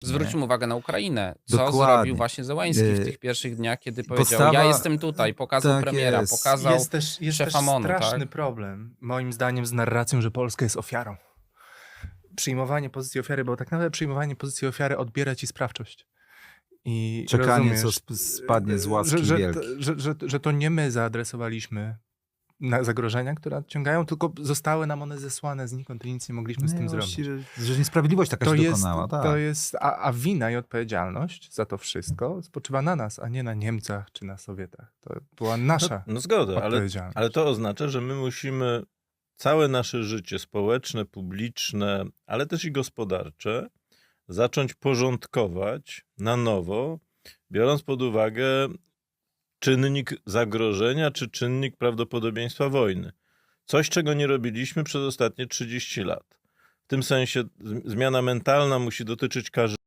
Zwróćmy uwagę na Ukrainę. Co Dokładnie. zrobił właśnie Zełański w tych pierwszych dniach, kiedy powiedział, Postawa- ja jestem tutaj, pokazał tak premiera, jest. pokazał Jest też szefa MON-u, straszny tak? problem, moim zdaniem, z narracją, że Polska jest ofiarą. Przyjmowanie pozycji ofiary, bo tak naprawdę przyjmowanie pozycji ofiary odbiera ci sprawczość. I Czekanie, rozumiesz, co spadnie z łaski wielkiej. że to nie my zaadresowaliśmy na zagrożenia, które nadciągają, tylko zostały nam one zesłane znikąd i nic nie mogliśmy z tym zrobić. Że niesprawiedliwość taka To się jest, dokonała. Tak. to jest, a wina i odpowiedzialność za to wszystko spoczywa na nas, a nie na Niemcach czy na Sowietach. To była nasza No zgoda, odpowiedzialność. ale to oznacza, że my musimy całe nasze życie społeczne, publiczne, ale też i gospodarcze zacząć porządkować na nowo, biorąc pod uwagę czynnik zagrożenia czy czynnik prawdopodobieństwa wojny. Coś, czego nie robiliśmy przez ostatnie 30 lat. W tym sensie zmiana mentalna musi dotyczyć każdego.